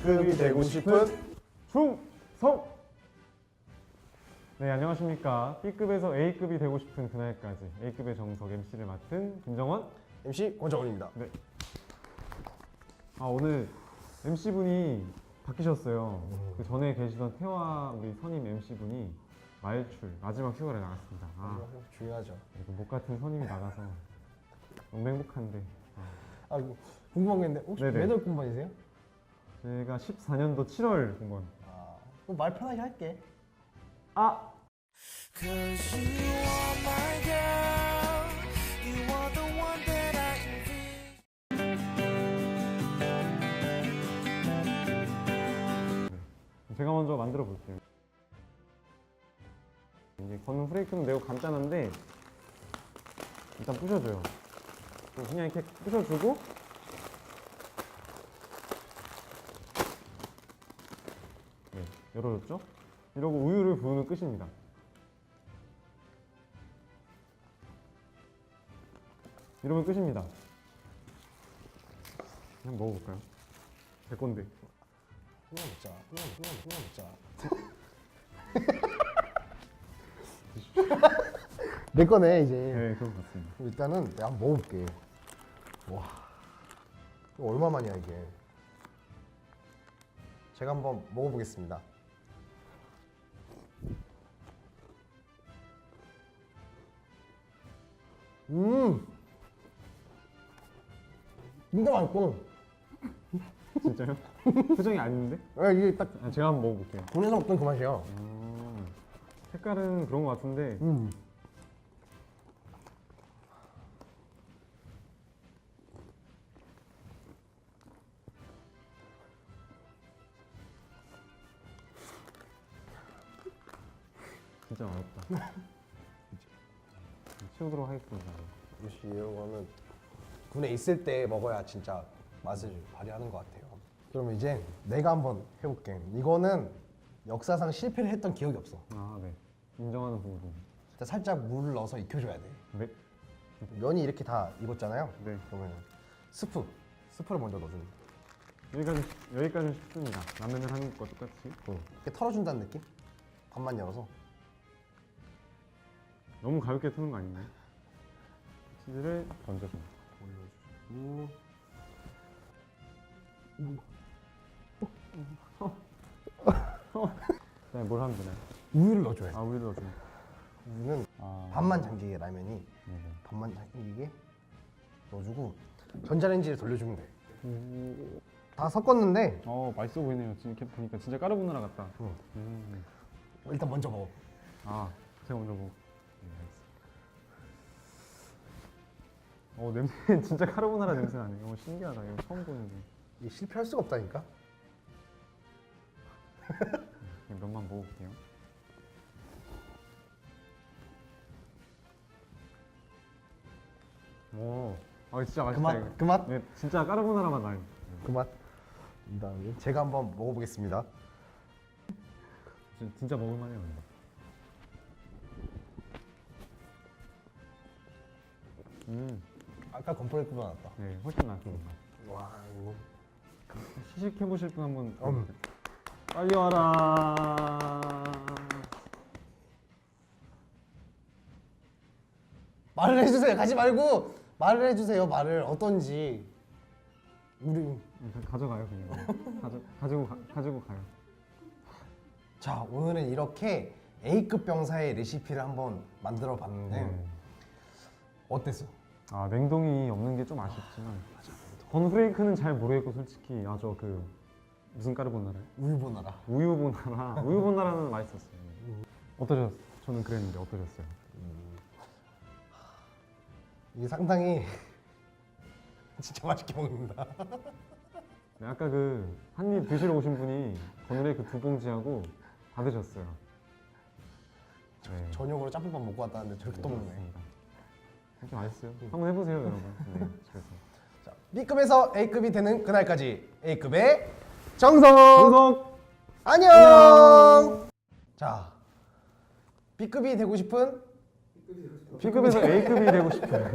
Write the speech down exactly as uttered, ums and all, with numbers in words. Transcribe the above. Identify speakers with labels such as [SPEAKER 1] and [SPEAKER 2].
[SPEAKER 1] A급이 되고 싶은
[SPEAKER 2] 충성! 네, 안녕하십니까. B급에서 A급이 되고 싶은 그날까지 A급의 정석 엠씨를 맡은 김정원.
[SPEAKER 1] 엠씨 권정원입니다.
[SPEAKER 2] 네. 아, 오늘 엠씨분이 바뀌셨어요.
[SPEAKER 1] 음.
[SPEAKER 2] 그 전에 계시던 태화 우리 선임 엠씨분이 말출 마지막 휴가를 나갔습니다. 아,
[SPEAKER 1] 중요하죠.
[SPEAKER 2] 이거 목 같은 선임이 나가서 너무 행복한데.
[SPEAKER 1] 아, 이거 궁금한 게 있는데 혹시
[SPEAKER 2] 네네.
[SPEAKER 1] 몇 월 군번이세요?
[SPEAKER 2] 제가 십사 년도 칠월 공무원.
[SPEAKER 1] 아, 그럼 말 편하게 할게.
[SPEAKER 2] 아!
[SPEAKER 3] Cause you are my girl, you are the one that I envision.
[SPEAKER 2] 제가 먼저 만들어 볼게요. 이제 걷는 프레이크는 매우 간단한데 일단 부셔줘요. 그냥 이렇게 부셔주고 네, 열어줬죠? 이러고 우유를 부으면 끝입니다. 이러면 끝입니다. 그냥 먹어볼까요? 제 건데.
[SPEAKER 1] 그냥 먹자. 그냥 그냥 그냥 먹자. 내 거네 이제.
[SPEAKER 2] 네, 그런 것 같습니다.
[SPEAKER 1] 일단은 내가 한번 먹어볼게. 와, 이거 얼마만이야 이게? 제가 한번 먹어보겠습니다. 음, 진짜 맛있고.
[SPEAKER 2] 진짜요? 표정이 아닌데?
[SPEAKER 1] 야, 이게 딱
[SPEAKER 2] 아, 제가 한번 먹어볼게요.
[SPEAKER 1] 국내에서 먹던 그 맛이야.
[SPEAKER 2] 음, 색깔은 그런 것 같은데
[SPEAKER 1] 음.
[SPEAKER 2] 진짜 어렵다. 치우도록 하겠습니다.
[SPEAKER 1] 역시 이런 거는 군에 있을 때 먹어야 진짜 맛을 발휘하는 것 같아요. 그럼 이제 내가 한번 해볼게. 이거는 역사상 실패를 했던 기억이 없어.
[SPEAKER 2] 아, 네. 인정하는 부분.
[SPEAKER 1] 일단 살짝 물을 넣어서 익혀줘야 돼.
[SPEAKER 2] 네.
[SPEAKER 1] 면이 이렇게 다 익었잖아요.
[SPEAKER 2] 네.
[SPEAKER 1] 그러면 스프, 스프를 먼저 넣어주는 거야.
[SPEAKER 2] 여기까지, 여기까지는 쉽습니다. 라면을 하는 것과 똑같이.
[SPEAKER 1] 응. 이렇게 털어준다는 느낌? 반만 열어서.
[SPEAKER 2] 너무 가볍게 트는 거 아닌가요? 치즈를 던져서.
[SPEAKER 1] 올려주고.
[SPEAKER 2] 그다음에 뭘 하면 되나요?
[SPEAKER 1] 우유를 넣어줘야 돼.
[SPEAKER 2] 아, 우유를 넣어주면.
[SPEAKER 1] 우유는
[SPEAKER 2] 아,
[SPEAKER 1] 반만 잠기게 라면이
[SPEAKER 2] 네네.
[SPEAKER 1] 반만 잠기게 넣어주고 전자레인지에 돌려주면 돼.
[SPEAKER 2] 오.
[SPEAKER 1] 다 섞었는데
[SPEAKER 2] 어, 맛있어 보이네요. 지금 이렇게 보니까 진짜 까르보나라 같다.
[SPEAKER 1] 응.
[SPEAKER 2] 음.
[SPEAKER 1] 일단 먼저 먹어.
[SPEAKER 2] 아, 제가 먼저 먹. 네, 알겠습니다. 어, 냄새 진짜 카르보나라 냄새 나네. 어, 신기하다. 이거 처음 보는데.
[SPEAKER 1] 이게 실패할 수가 없다니까.
[SPEAKER 2] 그냥 면만 먹어볼게요. 오, 아 진짜
[SPEAKER 1] 그
[SPEAKER 2] 맛있다. 이거.
[SPEAKER 1] 맛, 그 맛,
[SPEAKER 2] 네, 진짜 까르보나라 맛 나요.
[SPEAKER 1] 그 맛. 그다음에 제가 한번 먹어보겠습니다.
[SPEAKER 2] 진- 진짜 먹을만해요. 이거. 음,
[SPEAKER 1] 아까 건프레이크보다 낫다.
[SPEAKER 2] 네, 훨씬 낫습니다.
[SPEAKER 1] 와, 이거.
[SPEAKER 2] 시식해 보실 분 한번.
[SPEAKER 1] 음.
[SPEAKER 2] 빨리 와라.
[SPEAKER 1] 말을 해주세요. 가지 말고 말을 해주세요. 말을 어떤지. 우리
[SPEAKER 2] 네, 가져가요 그냥. 가져 가지고 가, 가지고 가요.
[SPEAKER 1] 자, 오늘은 이렇게 A급 병사의 레시피를 한번 만들어 봤는데
[SPEAKER 2] 네.
[SPEAKER 1] 어땠어?
[SPEAKER 2] 아, 냉동이 없는 게 좀 아쉽지만. 건프레이크는 잘 모르겠고 솔직히 아 저 그 무슨 까르보나라요?
[SPEAKER 1] 우유보나라.
[SPEAKER 2] 우유보나라. 우유보나라는 맛있었어요. 어떠셨어요? 저는 그랬는데 어떠셨어요?
[SPEAKER 1] 이게 상당히 진짜 맛있게 먹는다.
[SPEAKER 2] 네, 아까 그 한 입 드시러 오신 분이 건프레이크 두 봉지하고 다 드셨어요. 네.
[SPEAKER 1] 저녁으로 짬뽕밥 먹고 왔다는데 저렇게 또 먹네.
[SPEAKER 2] 맞습니다. 진짜 맛있어요. 한번 해보세요 여러분. 네, 집에서.
[SPEAKER 1] 자, B급에서 A급이 되는 그날까지 A급의 정성.
[SPEAKER 2] 정석!
[SPEAKER 1] 안녕.
[SPEAKER 2] 안녕.
[SPEAKER 1] 자, B급이 되고 싶은
[SPEAKER 2] B급에서 A급이 되고 싶어요.